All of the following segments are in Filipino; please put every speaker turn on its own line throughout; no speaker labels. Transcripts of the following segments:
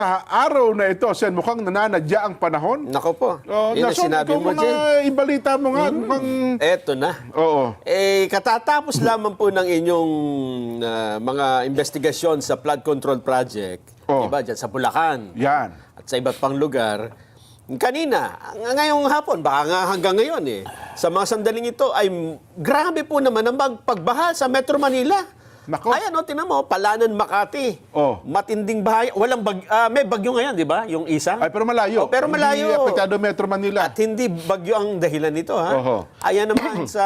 Sa araw na ito, Sen, mukhang nananadya ang panahon.
Nako po. Yun ang
Nason,
sinabi
ikaw
mo, Jen.
ibalita mo nga. Mukhang...
Eto na.
Oo.
Katatapos lamang po ng inyong mga investigasyon sa flood control project, diba, dyan sa Bulacan
Yan.
at sa iba't pang lugar. Kanina, ngayong hapon, baka nga hanggang ngayon sa mga sandaling ito ay grabe po naman ang pagbaha sa Metro Manila.
Nako.
Ayan, tinan mo, Palanan, Makati. Matinding bahay. Walang may bagyo ngayon, di ba? Yung isa.
Ay, pero malayo.
Pero malayo.
Hindi apektado Metro Manila.
At hindi bagyo ang dahilan nito, ha? Ayan naman sa,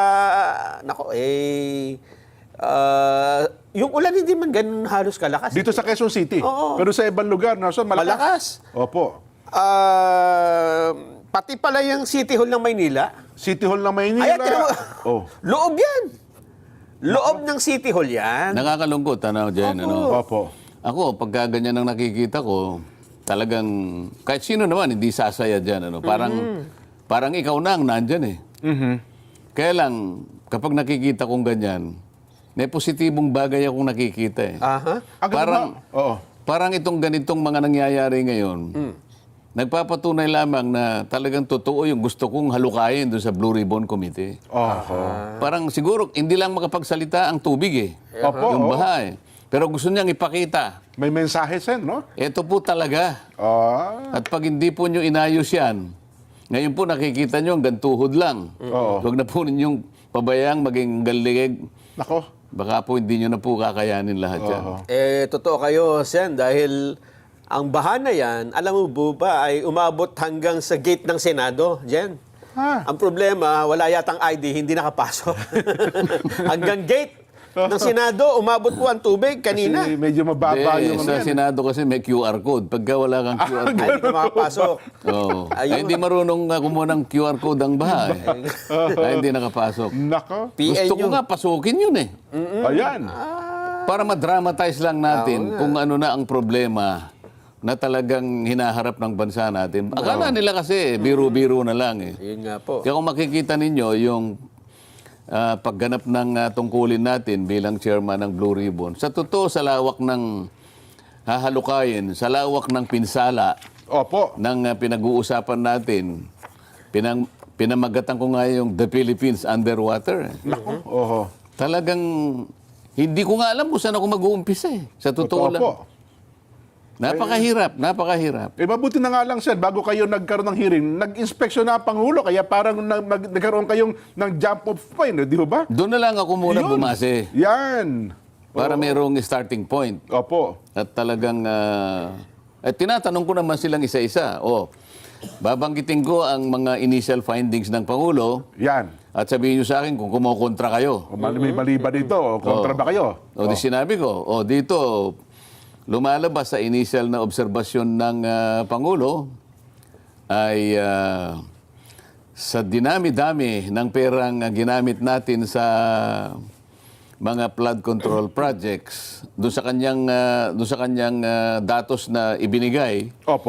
yung ulan hindi man ganun halos kalakas.
Dito sa Quezon City.
Oo.
Pero sa ibang lugar, Nason,
Malakas.
Opo.
Pati pala yung City Hall ng Maynila.
City Hall ng Maynila.
Ayan, tinan mo. Loob yan. Loob ng City Hall yan.
Nakakalungkot, Jen,
Opo.
Ako, pagka ganyan ang nakikita ko, talagang, kahit sino naman, hindi sasaya dyan, Parang ikaw na ang nandyan, Kaya lang, kapag nakikita kong ganyan, may positibong bagay akong nakikita, Parang itong ganitong mga nangyayari ngayon, nagpapatunay lamang na talagang totoo yung gusto kong halukayin doon sa Blue Ribbon Committee. Parang siguro hindi lang makapagsalita ang tubig yung baha Pero gusto niyang ipakita.
May mensahe, Sen, no?
Ito po talaga. At pag hindi po niyo inayos yan, ngayon po nakikita niyo hanggang tuhod lang. Huwag na po ninyong pabayang maging galigig.
Nako.
Baka po hindi niyo na po kakayanin lahat yan.
Totoo kayo, Sen, dahil ang baha na yan, alam mo ba, ay umabot hanggang sa gate ng Senado, Jen. Ang problema, wala yatang ID, hindi nakapasok. Hanggang gate ng Senado, umabot po ang tubig kanina.
Kasi medyo mababa yung
sa Senado kasi may QR code. Pagka wala kang QR code,
Hindi ka makapasok.
ay, hindi marunong kumuha ng QR code ang baha. Ay, hindi nakapasok.
Nako.
Gusto ko nga pasukin yun
Ayan.
Para ma-dramatize lang natin kung ano na ang problema na talagang hinaharap ng bansa natin. Akala nila kasi biro-biro na lang
Yun nga po.
Kaya kung makikita ninyo yung pagganap ng tungkulin natin bilang chairman ng Blue Ribbon, sa totoo sa lawak ng hahalukayin, sa lawak ng pinsala ng pinag-uusapan natin, pinamagatan ko nga yung The Philippines Underwater.
Nako.
Talagang hindi ko nga alam kung saan ako mag-uumpisa sa totoo lang. Napakahirap.
Mabuti na nga lang, Sen, bago kayo nagkaroon ng hearing, nag-inspeksyon na ang Pangulo, kaya parang nagkaroon kayong ng jump off point, di ba?
Doon na lang ako muna bumase.
Yan.
Para mayroong starting point.
Opo.
At talagang, tinatanong ko naman silang isa-isa. Babanggitin ko ang mga initial findings ng Pangulo.
Yan.
At sabihin nyo sa akin kung kumokontra kayo.
May mali ba dito? Kontra ba kayo?
Di sinabi ko, dito, lumalabas sa initial na obserbasyon ng Pangulo ay sa dinami-dami ng perang ginamit natin sa mga flood control projects, doon sa kanyang datos na ibinigay,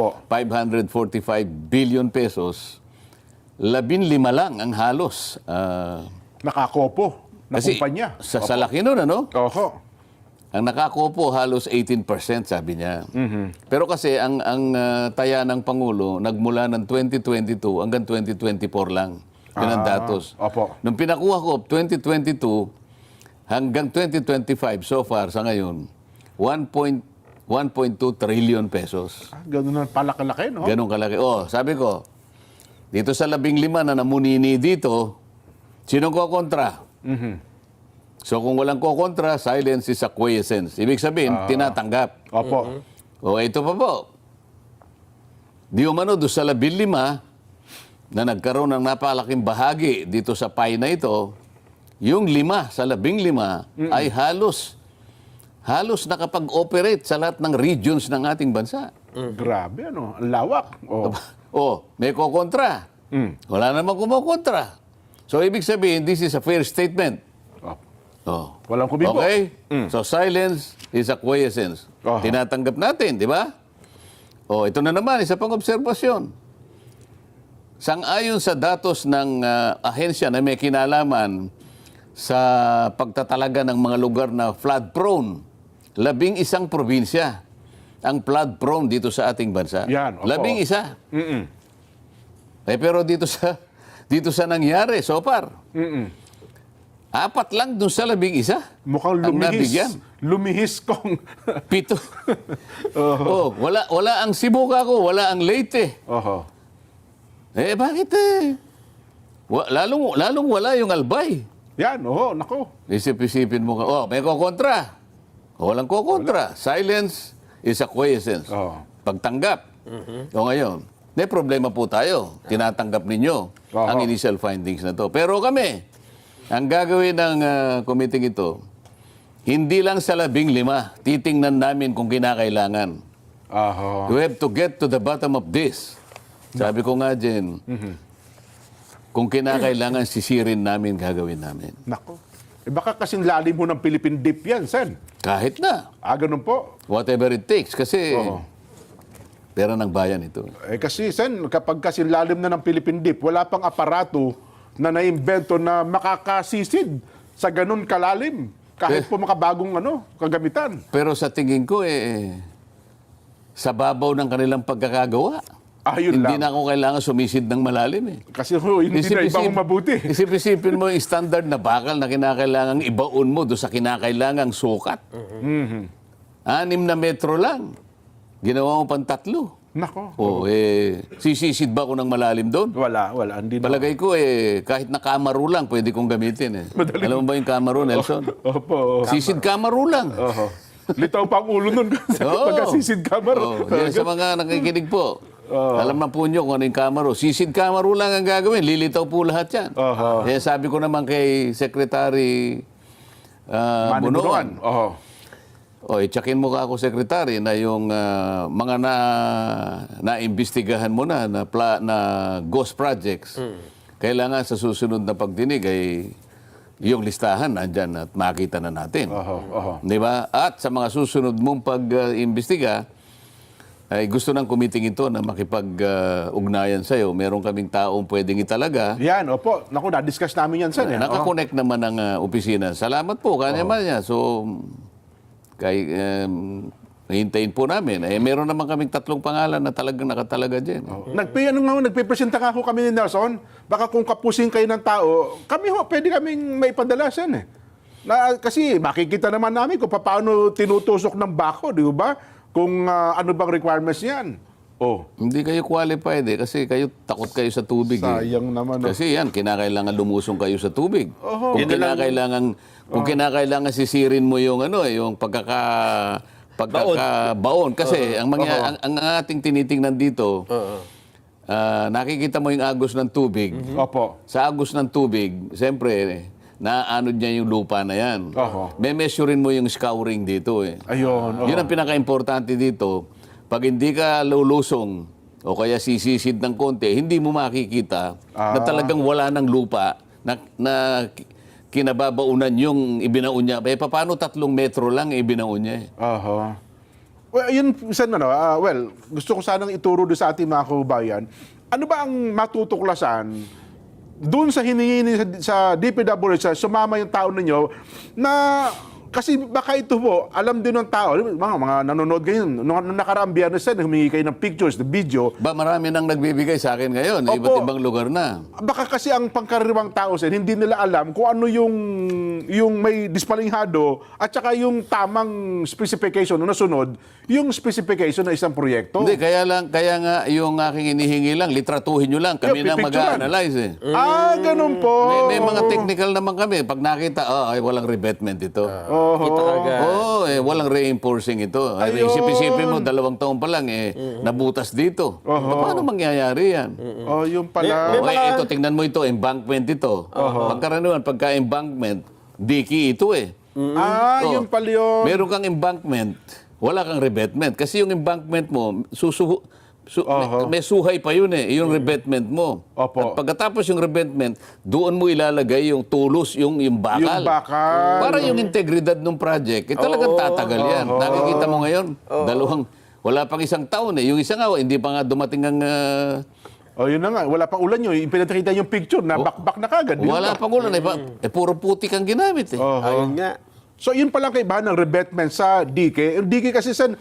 545 billion pesos, 15 lang ang halos.
Nakakopo na kumpanya.
Sa laki nun, ang nakakopo halos 18%, sabi niya. Pero kasi ang taya ng Pangulo nagmula ng 2022 hanggang 2024 lang. Yun ang datos. Nung pinakuha ko 2022 hanggang 2025 so far sa ngayon 1.2 trillion pesos.
Ganun na palakalaki, no?
Ganun kalaki. Sabi ko, dito sa 15 na namunini dito, sinong kokontra? So kung walang kokontra, silence is acquiescence. Ibig sabihin, tinatanggap. Ito pa po. Di umano doon sa 15 na nagkaroon ng napakalaking bahagi dito sa pie na ito, yung 5 sa 15 ay halos nakapag-operate sa lahat ng regions ng ating bansa.
Grabe, ano? Ang lawak.
May kokontra. Wala namang kumokontra. So ibig sabihin, this is a fair statement.
Walang kumibo.
Okay? So silence is acquiescence. Tinatanggap natin, di ba? Ito na naman, isa pang obserbasyon. Sang-ayon sa datos ng ahensya na may kinalaman sa pagtatalaga ng mga lugar na flood-prone, 11 probinsya ang flood prone dito sa ating bansa?
Yan, opo.
11. Pero dito sa nangyari so far, 4 lang dun sa 11.
Mukhang
ang nabigyan.
lumihis kong...
7. Wala ang Sibuga ko, wala ang Leyte.
Oho.
Bakit lalong wala yung Albay.
Yan, nako.
Isip-isipin mo ka, may kokontra. Walang kokontra. Silence is acquiescence. Pagtanggap. O ngayon, may problema po tayo. Tinatanggap ninyo ang initial findings na to. Pero kami, ang gagawin ng committee ito, hindi lang sa 15, titingnan namin kung kinakailangan. We have to get to the bottom of this. Sabi ko nga, Jen, kung kinakailangan, sisirin namin, gagawin namin.
Nako. Baka kasing lalim mo ng Philippine Deep yan, Sen.
Kahit na.
Ganun po.
Whatever it takes. Kasi pera ng bayan ito.
Kasi, Sen, kapag kasing lalim na ng Philippine Deep, wala pang aparato na naimbento na makakasisid sa ganun kalalim. Kahit po makabagong kagamitan.
Pero sa tingin ko, sa babaw ng kanilang pagkakagawa, hindi na ako kailangan sumisid ng malalim.
Kasi hindi na ibang mabuti.
Isip-isipin mo yung standard na bakal na kinakailangang ibaon mo doon sa kinakailangang sukat. 6 na metro lang. Ginawa mo pang 3.
Nako.
Sisisid ba ako ng malalim doon?
Wala. Hindi na.
Palagay ko, kahit na kamaro lang, pwede kong gamitin. Alam mo ba yung kamaro, Nelson?
Opo.
Sisid kamaro lang.
Litaw pa ang ulo nun. Pagkasisid kamaro.
Yan sa mga nakikinig po. Alam na po nyo kung ano yung kamaro. Sisid kamaro lang ang gagawin. Lilitaw po lahat yan. Kaya sabi ko naman kay Secretary Bunuan. Itsakin mo ka ako, Secretary, na yung mga naimbestigahan mo na ghost projects, kailangan sa susunod na pagdinig ay yung listahan nandyan at makita na natin. Di ba? At sa mga susunod mong pag-imbestiga, ay gusto ng committee ito na makipag-ugnayan sa'yo. Meron kaming taong pwedeng italaga.
Yan, opo. Naku, na-discuss namin yan, Sen.
Nakakonect naman ng opisina. Salamat po, kanya-man niya. So, hintayin po namin. Meron naman kaming 3 pangalan na talagang nakatalaga dyan.
Nagpipresenta nga ako kami ni Nelson. Baka kung kapusin kayo ng tao, pwede kaming maipadala, Sen. Kasi makikita naman namin kung paano tinutusok ng bako, di ba? Kung ano bang requirements niyan.
Hindi kayo qualified kasi kayo takot kayo sa tubig.
Sayang naman.
Kasi yan, kinakailangan lumusong kayo sa tubig. Kung kinakailangan sisirin mo yung yung pagkakabaon. Kasi ang ating tinitingnan dito, nakikita mo yung agos ng tubig. Sa agos ng tubig, siyempre, naanod niya yung lupa na yan. May measurein mo yung scouring dito.
Ayun.
Yun ang pinaka-importante dito. Pag hindi ka lulusong o kaya sisisid ng konti, hindi mo makikita na talagang wala ng lupa na kinababaunan yung ibinaon niya. Paano 3 metro lang ibinaon niya?
Well, yun, Sen, gusto ko sanang ituro doon sa ating mga kababayan. Ano ba ang matutuklasan doon sa hiningi sa DPWH, sumama yung tao ninyo na kasi baka ito po, alam din ng tao, mga nanonood ngayon, nung nakaraang Biyernes, humingi kayo ng pictures, the video.
Marami nang nagbibigay sa akin ngayon, iba't ibang lugar na. Baka
kasi ang pangkaraniwang tao, hindi nila alam kung ano yung may dispalinghado at saka yung tamang specification na nasunod, yung specification na isang proyekto.
Hindi, kaya nga yung aking inihingi lang, litratuhin nyo lang, kami na mag-a-analyze.
Ganun po.
May mga technical naman kami. Pag nakita, walang revetment ito. Walang reinforcing ito. Isip-isipin mo, 2 taon pa lang, nabutas dito. Paano mangyayari yan?
Yung pala.
Ito, tingnan mo ito, embankment ito. Pagkaraniwan, pagka-embankment, diki ito
Yung pala yun.
Meron kang embankment, wala kang revetment. Kasi yung embankment mo, may suhay pa yun yung revetment mo. At pagkatapos yung revetment, doon mo ilalagay yung tulos, yung bakal.
Yung bakal.
Para yung integridad ng project, talagang tatagal yan. Nakikita mo ngayon, wala pang 1 taon Yung isa nga, hindi pa nga dumating ang...
yun na nga, wala pang ulan yun. Pinakita yung picture na bakbak na kagad.
Wala pang ulan. Puro putik ang ginamit.
Ayun nga.
So yun palang kaibahan ng revetment sa DK. Yung DK kasi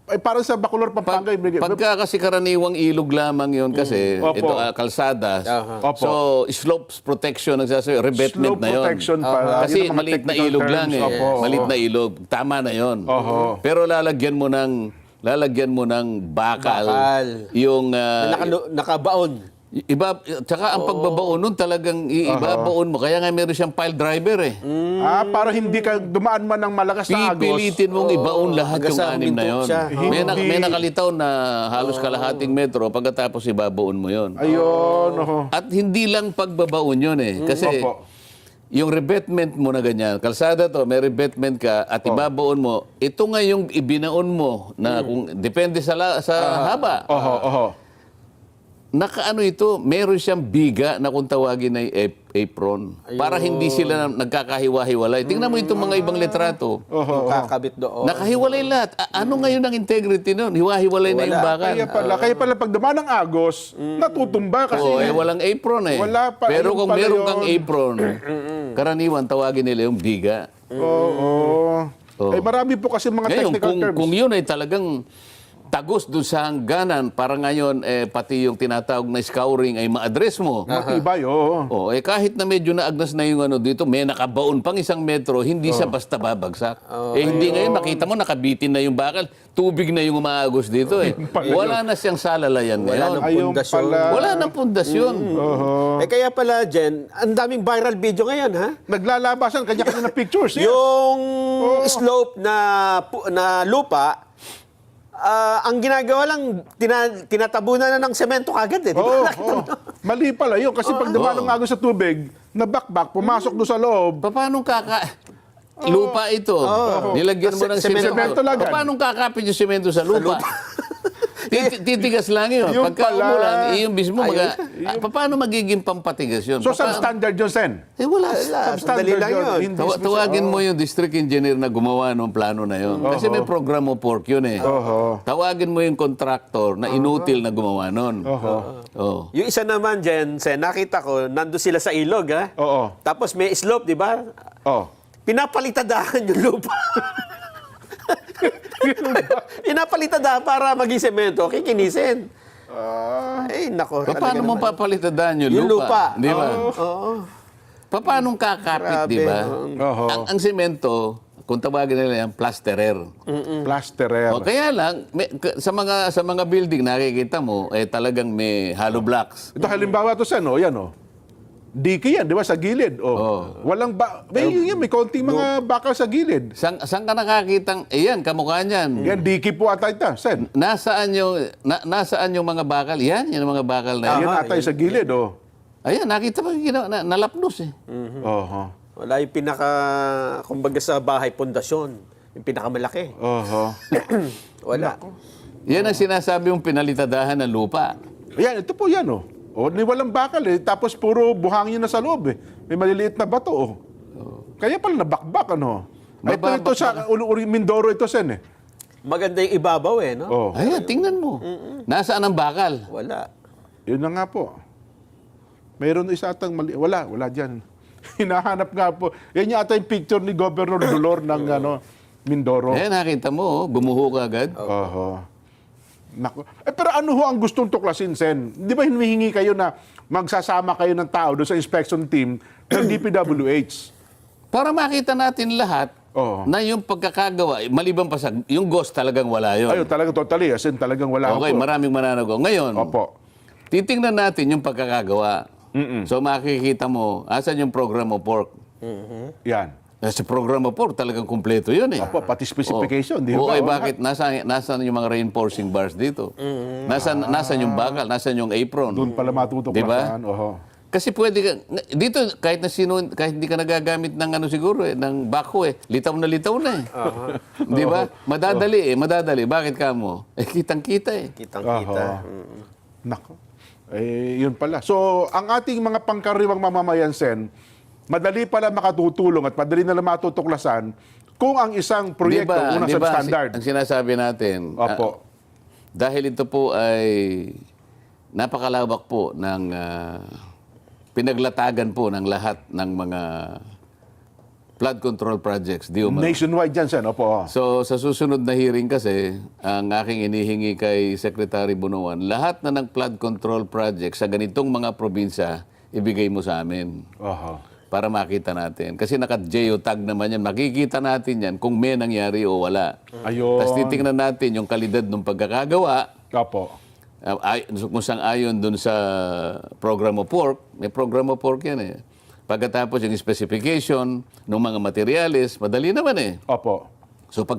ay parang sa Bacolor, Pampanga.
Pagka kasi karaniwang ilog lamang yun kasi,
Opo.
ito kalsadas.
Aha.
Opo.
So, slopes protection, nagsasabi, revetment
Slope
na yun.
protection pala.
Kasi
Yun ang mga
maliit na
technical
ilog
terms.
lang eh.
Opo,
Maliit
oho.
na ilog. Tama na yun.
Oho.
Pero lalagyan mo ng bakal.
Bakal.
Yung
Nakabaon.
iba, tsaka ang pagbabaon nun talagang ibabaon mo. Kaya nga meron siyang pile driver eh.
Para hindi ka dumaan man ng malakas na agos.
Pipilitin mong ibaon lahat
hanggang
yung
sa
anim na
huminto
yon.
siya.
May nakalitaw na halos kalahating metro pagkatapos ibabaon mo yon.
Ayun. Oho.
At hindi lang pagbabaon yun eh. Kasi
Opo.
yung revetment mo na ganyan, kalsada to, may revetment ka at ibabaon mo, ito nga yung ibinaon mo na kung depende sa haba.
Oho. Oho.
Nakaano ito, meron siyang biga na kung tawagin ay apron. Para hindi sila nagkakahiwa-hiwalay. Tingnan mo itong mga ibang litrato.
Yung kakabit doon.
Nakahiwalay lahat. Ano ngayon ang integrity nun? Hiwa-hiwalay na yung bakal.
Kaya pala pag dumaan ng agos, natutumba kasi.
Walang apron eh.
Wala pa,
Pero
ayun
kung
pala
meron
yun.
kang apron, karaniwan tawagin nila yung biga.
Oo.
Oo.
Ay marami po kasi mga
Ngayon,
technical terms.
kung yun ay talagang tagos doon sa hangganan, para ngayon pati yung tinatawag na scouring ay ma-address mo.
Matibay, oo.
Kahit na medyo naagnas na yung ano dito, may nakabaon pang 1 metro, hindi siya basta babagsak. Hindi ngayon, makita mo, nakabitin na yung bakal, tubig na yung umaagos dito eh. Wala na siyang salalayan
Wala
ngayon.
nang
Ayun
pundasyon.
pala.
Wala nang pundasyon.
Kaya pala, Jen, ang daming viral video ngayon, ha?
Naglalabasan, kanya-kanya na pictures. Yes.
Yung slope na lupa, ang ginagawa lang, tinatabunan na ng semento kagad eh. Di ba?
Oo. Mali pala yun. Kasi pag dumaan ng agos sa tubig, nabakbak, pumasok doon sa loob.
Paano lupa ito. Nilagyan mo ng
Semento
semento.
lang.
Paano kakapit yung semento sa lupa? Titigas lang yun.
Yung
Pagka
pala.
umulan, yung mismo, paano magiging pampatigas yun?
So, substandard yun, Sen?
Wala.
Sandali lang yun.
Hindi
Tawagin mo yung district engineer na gumawa ng plano na yun. Kasi may program of work yun eh. Tawagin mo yung contractor na inutil na gumawa nun. Oh.
Yung isa naman, Jen, nakita ko, nando sila sa ilog, ha?
Oo.
Tapos may slope, di ba?
Oh.
Pinapalitadahan yung lupa. Pinapalitadahan para maging semento, kikinisin. Ay, nako.
Paano mo papalitadaan yung lupa? Di ba?
Oo.
Paano kakapit, di ba? Ang semento, kung tawagin nila yan, plasterer.
Plasterer.
Kaya lang, sa mga building, nakikita mo, talagang may hollow blocks.
Ito halimbawa to, Sen, yan, Diki yan, di ba, sa gilid. Walang may konting mga bakal sa gilid.
Saan ka nakakitang, yan, kamukha niyan.
Yan, diki po ata ito, Sen.
Nasaan yung mga bakal? Yan yung mga bakal na yan.
Yan ata yung sa gilid,
Ayan, nakita mo yung nalapnos eh.
Oho.
Wala yung kumbaga sa bahay, pundasyon. Yung pinakamalaki.
Oho.
Wala.
Yan ang sinasabi yung pinalitadahan ng lupa.
Yan, ito po yan, ni walang bakal tapos puro buhangin na sa loob May maliliit na bato Kaya pala nabakbak Ito sa Mindoro ito, Sen
Maganda yung ibabaw no?
Ayan, tingnan mo. Nasaan ang bakal?
Wala.
Yun na nga po. Mayroon isa atang mali. Wala dyan. Hinahanap nga po. Yan yung ata yung picture ni Governor Dolor ng Mindoro.
Ayan, nakita mo, gumuho ka agad.
Oho. Naku. Pero ano ho ang gustong tuklasin, Sen? Di ba hinihingi kayo na magsasama kayo ng tao doon sa inspection team ng DPWH?
Para makita natin lahat na yung pagkakagawa, maliban pa sa, yung ghost talagang wala yun.
Ayun, talagang totally. As in, talagang wala
Okay,
po.
maraming mananago. Ngayon,
Opo.
titingnan natin yung pagkakagawa. So makikita mo, asan yung program of work?
Yan.
Sa program of work, talagang kumpleto yun eh.
Opo, pati specification. Di
Oo,
ba?
bakit? Nasaan yung mga reinforcing bars dito? Nasaan yung bakal? Nasaan yung apron?
Doon pala matutuklasan.
Diba?
Oho.
Kasi pwede ka, dito kahit hindi ka nagagamit ng siguro ng backhoe litaw na Di ba? Madadali. Bakit ka mo? Kitang-kita eh.
Kitang-kita.
Nako. Yun pala. So, ang ating mga pangkaraniwang mamamayan, Sen, madali pala makatutulong at madali na lang matutuklasan kung ang isang proyekto unang substandard.
Ang sinasabi natin,
Opo.
dahil ito po ay napakalawak po ng pinaglatagan po ng lahat ng mga flood control projects, di umano.
Nationwide dyan, Sen. Opo.
So, sa susunod na hearing kasi, ang aking inihingi kay Secretary Bunuan, lahat na ng flood control projects sa ganitong mga probinsya, ibigay mo sa amin
Oho.
para makita natin. Kasi naka-geotag naman yan. Makikita natin yan kung may nangyari o wala.
Ayun.
Tapos titingnan natin yung kalidad ng pagkakagawa.
Opo.
Kung saan ayon dun sa program of work, may program of work yan eh. Pagkatapos yung specification ng mga materyales, madali naman eh.
Opo.
So pag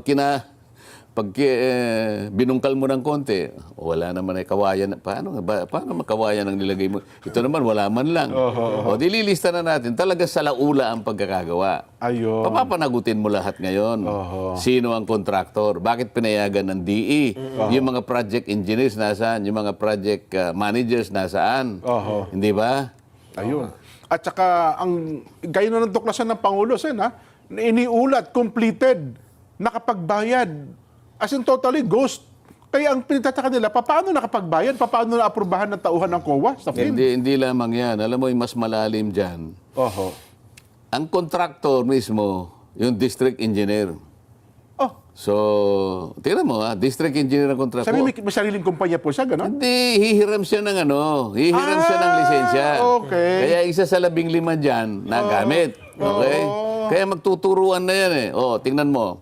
binungkal mo ng konti, wala naman ay kawayan. Paano makawayan ang nilagay mo? Ito naman, wala man lang. O dililista na natin. Talaga sa laula ang pagkakagawa.
Ayun.
Papapanagutin mo lahat ngayon. Sino ang kontraktor? Bakit pinayagan ng DE? Yung mga project engineers nasaan? Yung mga project managers nasaan? Hindi ba?
Ayun. At saka, gaya na ng tuklasan ng Pangulo, Sen, ha? Iniulat, completed, nakapagbayad. As in totally ghost. Kaya ang pinitataka nila, paano nakapagbayad? Paano naaprubahan ng tauhan ng COA sa film?
Hindi lamang yan. Alam mo, yung mas malalim dyan.
Oho.
Ang contractor mismo, yung district engineer.
Oh,
So, tingnan mo district engineer ang contractor.
sabi may sariling kumpanya po siya, gano'n?
Hindi, hihiram siya ng hihiram siya ng lisensya.
Okay.
Kaya isa sa 15 dyan, nagamit. Okay? Kaya magtuturuan na yan eh. Tingnan mo.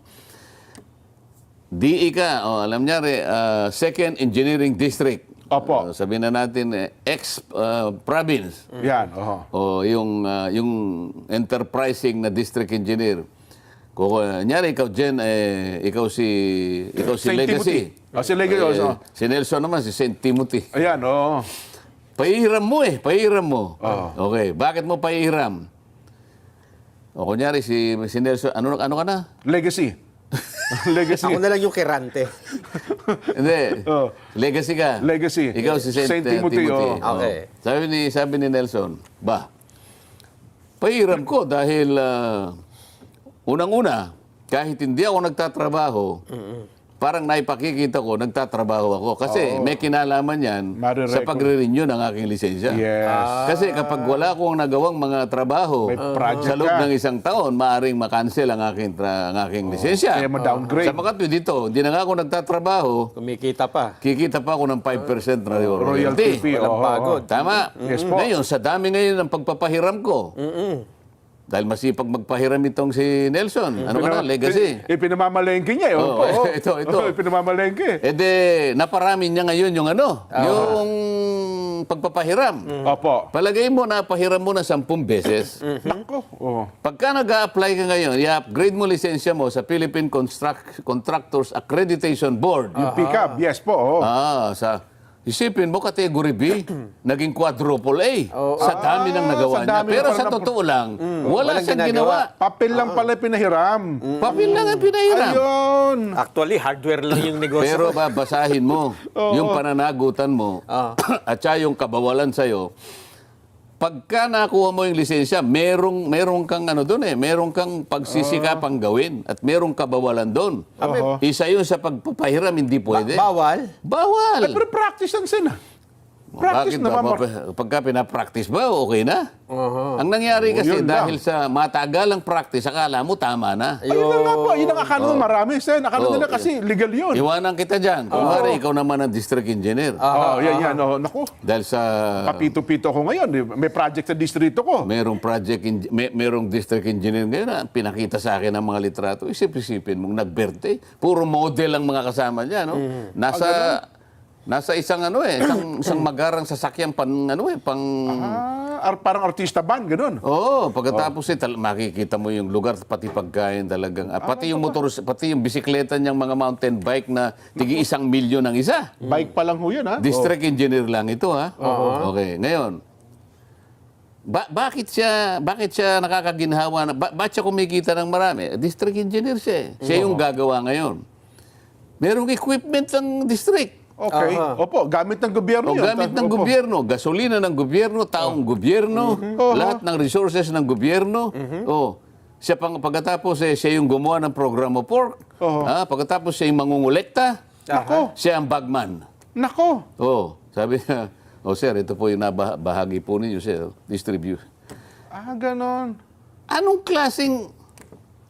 DE ka, alam niya second engineering district.
Opo.
Sabihin na natin, province.
Yan, oho.
Yung enterprising na district engineer. Kunyari, ikaw, Jen, ikaw si
Saint
Legacy.
Timothy. Si Legacy also.
Si Nelson naman, si St. Timothy.
Ayan, oo.
Pahihiram mo pahihiram mo. Okay, bakit mo pahihiram? Kunyari, si Nelson, ano ka na?
Legacy. Legacy.
Ako na lang yung kirante.
Hindi. Legacy ka.
Legacy.
Ikaw si
Saint Timothy,
Timothy.
Okay.
Sabi ni Nelson, pahiram ko dahil unang-una, kahit hindi ako nagtatrabaho, parang naipakikita ko, nagtatrabaho ako. Kasi may kinalaman yan sa pagre-renew ng aking lisensya.
Yes.
Kasi kapag wala akong nagawang mga trabaho
May project
sa loob
ka.
ng isang taon, maaring makancel ang aking lisensya.
Kaya ma-downgrade.
Sa makatwid dito, hindi na nga ako nagtatrabaho,
Kumikita pa.
kikita pa ako ng 5% na
Royalty
royalty.
fee.
Walang
oo.
pagod.
Tama.
Yes po.
Ngayon, sa dami ngayon ng pagpapahiram ko, dahil masipag magpahiram itong si Nelson. Ano ka na? Legacy.
Pinamamalengke niya.
Oo, ito.
Pinamamalengke.
Naparami niya ngayon yung yung pagpapahiram.
Opo.
Palagay mo na pahiram mo na 10 beses.
Nako. Oh.
Pagka nag-a-apply ka ngayon, i-upgrade mo lisensya mo sa Philippine Contractors Accreditation Board.
Yung pick-up. Yes po. Oh.
Isipin mo, category B, naging quadruple A. Sa dami ng nagawa
sa
niya.
dami
Pero
na
sa
pala
totoo lang, wala
Walang
siyang
ginagawa.
ginawa.
Papel lang pala pinahiram.
Papel lang ang pinahiram.
Ayun.
Actually, hardware lang yung negosyo.
Pero babasahin mo yung pananagutan mo at saka yung kabawalan sa'yo. Pagka nakuha mo yung lisensya, merong kang merong kang pagsisikapang gawin at merong kabawalan doon. Isa yun sa pagpapahiram, hindi pwede.
Bawal.
Bawal.
Pero practice yan, Sen. Practice
Bakit
naman.
ba? Pagka pinapractice ba, okay na? Ang nangyari kasi
yun lang.
dahil sa matagalang practice, akala mo tama na.
Ayun na nga po. Yun ang akala ng marami, Sen. Akala nila kasi legal yun.
Iwanan kita dyan. Kung ikaw naman ang district engineer.
Yan. Naku.
Dahil sa
Papito-pito ko ngayon. May project sa distrito ko.
merong merong district engineer ngayon na pinakita sa akin ang mga litrato. Isip-isipin mong nagberte. Puro model ang mga kasama niya, no? Nasa isang isang magarang sasakyan
Parang artista band, ganun.
Pagkatapos makikita mo yung lugar pati pagkain talagang pati yung pati yung bisikleta niyang mga mountain bike na tigi 1 milyon ang isa.
Bike pa lang ho yun, ha?
District engineer lang ito, ha. Okay, ngayon. Bakit siya nakakaginhawa na bakit siya kumikita ng marami? District engineer siya. Siya yung gagawa ngayon. Merong equipment ng district.
Okay. Opo, gamit ng gobyerno yun.
Gamit ng gobyerno, gasolina ng gobyerno, taong gobyerno, lahat ng resources ng gobyerno. Siya pagkatapos siya yung gumawa ng program of work. Pagkatapos siya yung mangungulekta.
Nako.
Siya ang bagman.
Nako.
Sabi niya, sir, ito po yung nabahagi po ninyo, sir. Distribute.
Ganon.
Anong klaseng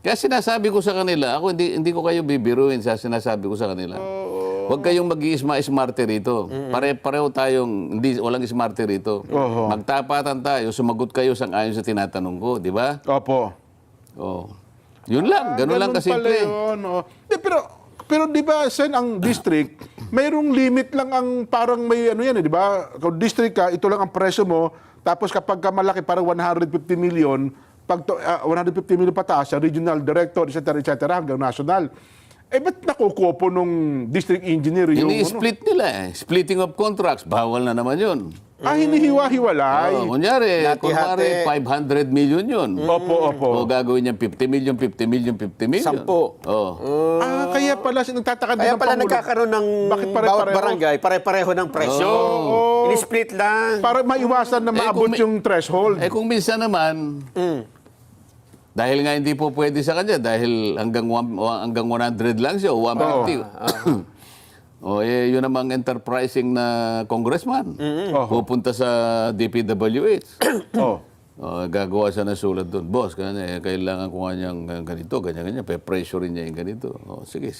Kaya sinasabi ko sa kanila, ako hindi ko kayo bibiruin sa sinasabi ko sa kanila. Huwag kayong mag-i-smarte rito. Pare-pareho tayong, walang smarte rito. Magtapatan tayo, sumagot kayo sang-ayon sa tinatanong ko, di ba?
Opo.
Oh. Yun lang, ganun lang
Pala
kasimple.
yun, oh. Pero di ba, Sen, ang district, mayroong limit lang ang parang may ano yan, di ba? Kung district ka, ito lang ang presyo mo, tapos kapag ka malaki, parang 150 million, pag 150 million pataas, sa regional director, etc., hanggang national. Eh, ba't nakukuha po nung district engineer yung...
Ini-split nila eh. Splitting of contracts, bawal na naman yun.
hinihiwa-hiwalay.
Kunyari,
Hati-hati.
500 million yun.
Opo.
O gagawin niya 50 million, 50 million, 50 million.
10.
Oh.
Kaya pala, nagtataka din
Kaya
ng
pala
Pangulo.
nagkakaroon ng
Bakit
bawat
pare-pareho?
barangay, pare-pareho ng presyo. Ini-split lang.
Para maiwasan na maabot
kung may-
yung threshold.
Kung minsan naman, dahil nga hindi po pwede sa kanya, dahil hanggang 100 lang siya, o 150. Yun namang enterprising na congressman. Pupunta sa DPWH. Gagawa siya ng sulat doon. Boss, kailangan ko nga niyang ganito, ganyan. Pe-pressure niya yung ganito. Sige,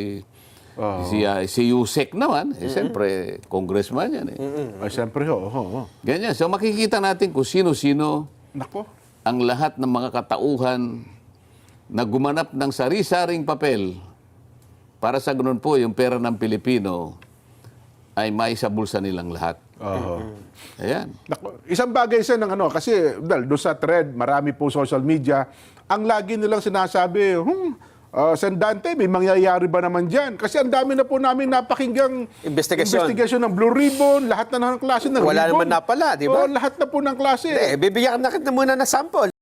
si Yusek naman, siyempre, congressman yan.
Ay, siyempre,
Ganyan. So makikita natin kung sino-sino
Nako.
ang lahat ng mga katauhan na gumanap ng sari-saring papel para sa ganun po yung pera ng Pilipino ay maisabulsa nilang lahat. Ayan.
Nako, isang bagay sa ng kasi doon sa thread, marami po social media, ang lagi nilang sinasabi, Sen Dante, may mangyayari ba naman dyan? Kasi ang dami na po namin napakinggang investigasyon ng Blue Ribbon, lahat na ng klase ng
Wala
ribbon.
naman napala, di ba?
Lahat na po ng klase.
Bibigyan na kita muna ng sample.